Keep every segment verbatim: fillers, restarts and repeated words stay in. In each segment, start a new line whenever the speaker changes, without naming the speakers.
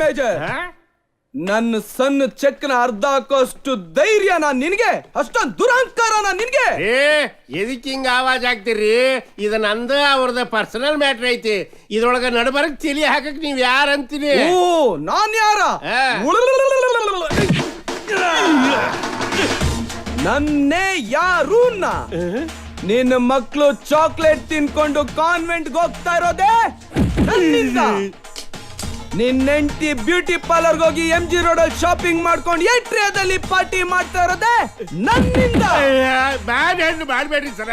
Manager, ನನ್ನ ಸಣ್ಣ ಚೆಕ್ನ ಅರ್ಧ ಹಾಕೋಷ್ಟು ಧೈರ್ಯನ ನಿನ್ಗೆ? ಅಷ್ಟೊಂದು ದುರಹಂಕಾರನ ನಿನ್ಗೆ?
ಏ ಎದಕ್ಕೆ ಹಿಂಗ ಆವಾಜ್ ಆಗ್ತೀರಿ? ಇದು ನಂದ ಅವ್ರದ ಪರ್ಸನಲ್ ಮ್ಯಾಟ್ರ್ ಐತಿ. ಇದ್ರೊಳಗ ನಡಬರಕ್ ತಿಳಿ ಹಾಕಕ್ ನೀವ್ ಯಾರ ಅಂತೀನಿ?
ಓ ನಾನ್ ಯಾರ? ನನ್ನೇ ಯಾರೂನ್ನ? ನಿನ್ನ ಮಕ್ಕಳು ಚಾಕ್ಲೇಟ್ ತಿನ್ಕೊಂಡು ಕಾನ್ವೆಂಟ್ಗೆ ಹೋಗ್ತಾ ಇರೋದೇ ನನ್ನಿಂದ. ನಿನ್ನ ಹೆಂಡತಿ ಬ್ಯೂಟಿ ಪಾರ್ಲರ್ಗೆ ಹೋಗಿ ಎಂ ಜಿ ರೋಡ್ ಅಲ್ಲಿ ಶಾಪಿಂಗ್ ಮಾಡ್ಕೊಂಡು ಏಟ್ರಿಯಾದಲ್ಲಿ ಪಾರ್ಟಿ ಮಾಡ್ತಾ ಇರೋದೇ ನನ್ನಿಂದ.
ಬ್ಯಾಡ್ ಹೆಣ್ಣು ಮಾಡ್ಬೇಡ್ರಿ ಸರ.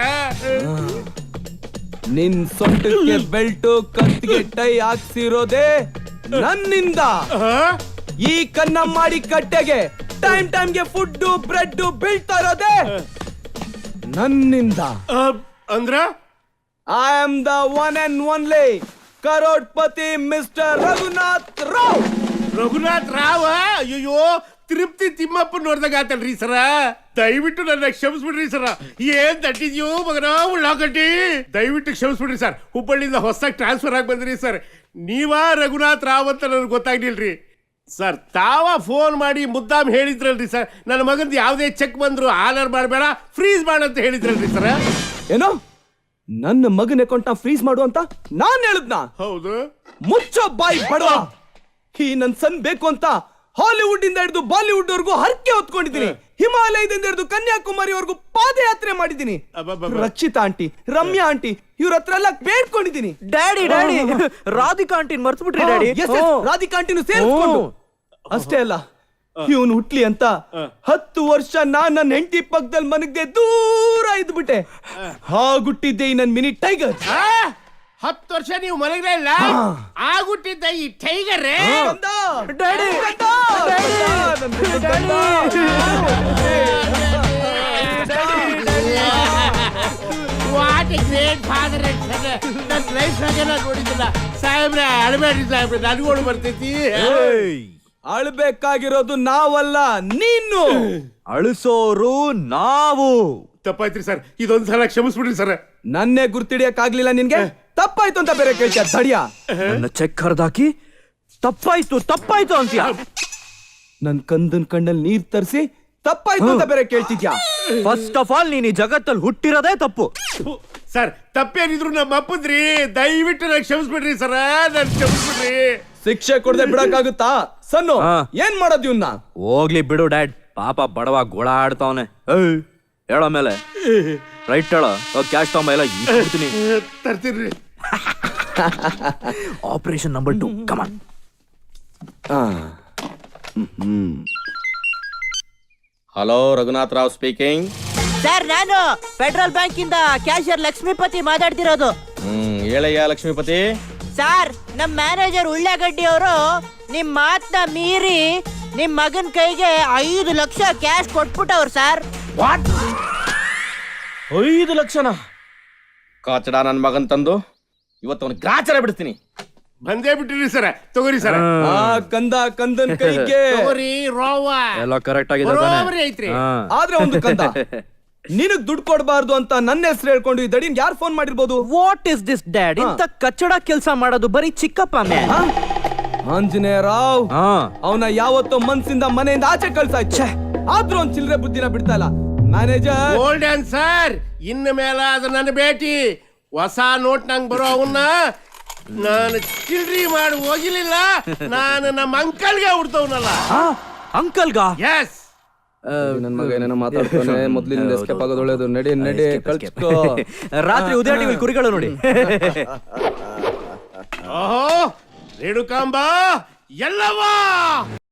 ನಿನ್ ಸೊಂಟಕ್ಕೆ ಬೆಲ್ಟು, ಕತ್ತಿಗೆ ಟೈ ಹಾಕ್ಸಿರೋದೇ ನನ್ನಿಂದ. ಈ ಕನ್ನ ಮಾಡಿ ಕಟ್ಟೆಗೆ ಟೈಮ್ ಟೈಮ್ಗೆ ಫುಡ್ ಬ್ರೆಡ್ ಬೀಳ್ತಾ ಇರೋದೇ ನನ್ನಿಂದ.
ಅಂದ್ರ
I am the one and only crorepati mister Raghunath Rao.
Raghunath Rao? ಅಯ್ಯೋ, ತಿರುಪ್ತಿ ತಿಮ್ಮಪ್ಪ ನೋಡ್ದಾಗ ಆತಲ್ರಿ ಸರ. ದಯವಿಟ್ಟು ನನ್ನ ಕ್ಷಮಿಸ್ಬಿಡ್ರಿ ಸರ. ಏನ್ ತಟ್ಟಿದ್ಯೋ ಮಗನ ಉಳ್ಳಾಗಡ್ಡಿ. ದಯವಿಟ್ಟು ಕ್ಷಮಿಸ್ಬಿಡ್ರಿ ಸರ್. ಹುಬ್ಬಳ್ಳಿಯಿಂದ ಹೊಸದಾಗಿ ಟ್ರಾನ್ಸ್ಫರ್ ಆಗಿ ಬಂದ್ರಿ ಸರ್. ನೀವಾ ರಘುನಾಥ್ ರಾವ್ ಅಂತ ನನಗೆ ಗೊತ್ತಾಗ್ಲಿಲ್ರಿ ಸರ್. ತಾವ ಫೋನ್ ಮಾಡಿ ಮುದ್ದಾಮ್ ಹೇಳಿದ್ರಲ್ರಿ ಸರ್, ನನ್ನ ಮಗಂದು ಯಾವುದೇ ಚೆಕ್ ಬಂದ್ರು ಆನರ್ ಮಾಡಬೇಡ, ಫ್ರೀಸ್ ಮಾಡಂತ ಹೇಳಿದ್ರಲ್ರಿ ಸರ್.
ಏನೋ ನನ್ನ ಮಗನ ಅಕೌಂಟ್ ನ ಫ್ರೀಸ್ ಮಾಡು ಅಂತ ನಾನ್ ಹೇಳದ್ನ?
ಹೌದು.
ಮುಚ್ಚೋ ಬಾಯಿ ಬಡವ. ಈ ನನ್ ಸನ್ ಬೇಕು ಅಂತ ಹಾಲಿವುಡ್ ಇಂದ ಹಿಡಿದು ಬಾಲಿವುಡ್ ವರ್ಗೂ ಹರಕೆ ಹೊತ್ಕೊಂಡಿದ್ದೀನಿ. ಹಿಮಾಲಯದಿಂದ ಹಿಡಿದು ಕನ್ಯಾಕುಮಾರಿವರೆಗೂ ಪಾದಯಾತ್ರೆ ಮಾಡಿದ್ದೀನಿ. ರಕ್ಷಿತಾ ಆಂಟಿ, ರಮ್ಯಾ ಆಂಟಿ ಇವ್ರ ಹತ್ರ ಎಲ್ಲ ಬೇಡ್ಕೊಂಡಿದ್ದೀನಿ.
ಡ್ಯಾಡಿ ಡ್ಯಾಡಿ ರಾಧಿಕಾ ಆಂಟಿನ್ ಮರ್ತು ಬಿಟ್ರಿ ಡ್ಯಾಡಿ.
ರಾಧಿಕಾ ಆಂಟಿನೂ ಸೇರಿಸ್ಕೊಂಡು. ಅಷ್ಟೇ ಅಲ್ಲ, ಇವನು ಹುಟ್ಲಿ ಅಂತ ಹತ್ತು ವರ್ಷ ನಾನ್ ನನ್ನ ಹೆಂಡತಿ ಪಕ್ಕದಲ್ಲಿ ಮನಗ್ದೆ ದೂರ ಇದ್ಬಿಟ್ಟೆ. ಹಾಗುಟ್ಟಿದ್ದೆ ಈ ನನ್ ಮಿನಿ ಟೈಗರ್.
ಹತ್ತು ವರ್ಷ ನೀವು ಮಲಗಲೇ ಇಲ್ಲ, ಆಗುಟ್ಟಿದ್ದ ಈ tiger. What a great father and son. ನನ್ನ ಲೈಫ್ ನಾಗೆಲ್ಲ ನೋಡಿದ್ದಿಲ್ಲ ಸಾಹೇಬ್ರೆ. ಅಳಬೇಡ್ರಿ ಸಾಹೇಬ್ರೆ, ನನಗೋಳು ಬರ್ತೈತಿ.
ಅಳ್ಬೇಕಾಗಿರೋದು ನಾವಲ್ಲ, ನೀನು.
ಅಳಿಸೋರು ನಾವು.
ತಪ್ಪಾಯ್ತ್ರಿ ಸರ್, ಇದೊಂದ್ಸಲ ಕ್ಷಮಿಸ್ಬಿಡ್ರಿ ಸರ್.
ನನ್ನೇ ಗುರ್ತಿಡಿಯಕ್ ಆಗ್ಲಿಲ್ಲ ನಿನ್ಗೆ? ತಪ್ಪಾಯ್ತು ಅಂತ ಬೇರೆ ಕೇಳ್ತೀಯ ತಡಿಯ?
ನನ್ನ ಚೆಕ್ ಹರಿದಾಕಿ ತಪ್ಪಾಯ್ತು ತಪ್ಪಾಯ್ತು ಅಂತೀಯ?
ನನ್ ಕಂದನ್ ಕಣ್ಣಲ್ಲಿ ನೀರ್ ತರಿಸಿ ತಪ್ಪಾಯ್ತು ಅಂತ ಬೇರೆ ಕೇಳ್ತಿದ್ಯಾ?
ಫಸ್ಟ್ ಆಫ್ ಆಲ್ ನೀನ್ ಈ ಜಗತ್ತಲ್ಲಿ ಹುಟ್ಟಿರೋದೇ ತಪ್ಪು
ಸರ್. ತಪ್ಪೇನಿದ್ರು ನಮ್ಮ ಅಪ್ಪಂದ್ರಿ. ದಯವಿಟ್ಟು ನಾನು ಕ್ಷಮಿಸ್ಬಿಡ್ರಿ ಸರ, ನನ್ ಕ್ಷಮಿಸ್ಬಿಡ್ರಿ.
ಶಿಕ್ಷೆ ಕೊಡದೆ ಬಿಡಕ್ಕಾಗುತ್ತಾ? ಸನ್ನು ಏನ್ ಮಾಡೋದು ಇವ್ನ?
ಹೋಗ್ಲಿ ಬಿಡು ಡ್ಯಾಡ್, ಪಾಪ ಬಡವ ಗೋಳಾಡ್ತಾವನೆ. ಹೇಳೋ ಮೇಲೆ ರೈಟ್ ಹೇಳೋ. ಕ್ಯಾಶ್ ತಗೊಂಬ, ಎಲ್ಲ ಇಡ್ತೀನಿ.
ತರ್ತೀನ್ರಿ.
Operation number two come on.
Hello, Raghunath Rao speaking.
Sir, ನಾನು ಫೆಡರಲ್ ಬ್ಯಾಂಕ್ ಇಂದ ಕ್ಯಾಶಿಯರ್ ಲಕ್ಷ್ಮೀಪತಿ ಮಾತಾಡ್ತಿರೋದು.
ಹ್ಮ್, ಹೇಳಯ್ಯ ಲಕ್ಷ್ಮೀಪತಿ.
ಸರ್, ನಮ್ ಮ್ಯಾನೇಜರ್ ಉಳ್ಳಾಗಡ್ಡಿ ಅವರು ನಿಮ್ ಮಾತನ್ನ ಮೀರಿ ನಿಮ್ ಮಗನ್ ಕೈಗೆ ಐದು ಲಕ್ಷ ಕ್ಯಾಶ್ ಕೊಟ್ಬಿಟ್ಟವ್ರು ಸರ್.
ವಾಟ್? ಐದು ಲಕ್ಷನ? ಕಾಚಡ ನನ್ ಮಗನ್ ತಂದು ಇವತ್ತು ಅವನು ಗ್ರಾಚಾರ ಬಿಡ್ತೀನಿ.
ಬಂದೇ ಬಿಟ್ಟಿರಿ ಸರ. ತಗೋರಿ ಸರ.
ಕಂದ ಕಂದನ್ ಕೈಗೆ
ತಗೋರಿ. ರೋವ
ಎಲ್ಲ ಕರೆಕ್ಟ್ ಆಗಿದೆ
ಐತ್ರಿ.
ಆದ್ರೆ ಒಂದು ಕಂದ ನಿನಗ್ ದುಡ್ಡು ಕೊಡಬಾರ್ದು ಅಂತ ನನ್ನ ಹೆಸರು ಹೇಳ್ಕೊಂಡು ಈ ದಡಿನ್ ಯಾರು ಫೋನ್ ಮಾಡಿರ್ಬೋದು?
What is this dad? ಇಂತ ಕಚ್ಚಡ ಕೆಲಸ ಮಾಡೋದು ಬರೀ ಚಿಕ್ಕಪ್ಪ ಮ್ಯಾನ್.
ಆಂಜನೇಯ ರಾವ್ ಅವನ ಯಾವತ್ತೋ ಮನ್ಸಿಂದ ಮನೆಯಿಂದ ಆಚೆ ಕಳ್ಸಾಯ್ತು. ಆದ್ರೂ ಒಂದ್ ಚಿಲ್ಲರೆ ಬುದ್ಧಿನ ಬಿಡ್ತಾ ಇಲ್ಲ ಮ್ಯಾನೇಜರ್.
ಗೋಲ್ಡನ್ ಸರ್, ಇನ್ನು ಮೇಲ ಅದು ನನ್ನ ಭೇಟಿ. ಹೊಸ ನೋಟ್ ನಂಗೆ ಬರೋ ಅವನ್ನ ನಾನು ಚಿಲ್ಡ್ರಿ ಮಾಡಿ ಹೋಗಿಲಿಲ್ಲ. ನಾನು ನಮ್ಮ ಅಂಕಲ್ಗೆ ಹುಡ್ತವನಲ್ಲ.
ಅಂಕಲ್ಗ?
ಎಸ್.
ನನ್ ಮಗ ಏನೇನೋ ಮಾತಾಡ್ತಾನೆ. ಮೊದ್ಲಿಂದ ಎಸ್ಕೇಪ್ ಆಗೋದು ಒಳ್ಳೇದು. ನಡಿ ನಡಿ ಕಳ್ಸ್ಕೋ.
ರಾತ್ರಿ ಉದಯ ಟಿವಿ ಕುರಿಗಳು ನೋಡಿ.
ಓಹೋ, ರೇಣುಕಾಂಬ ಎಲ್ಲವಾ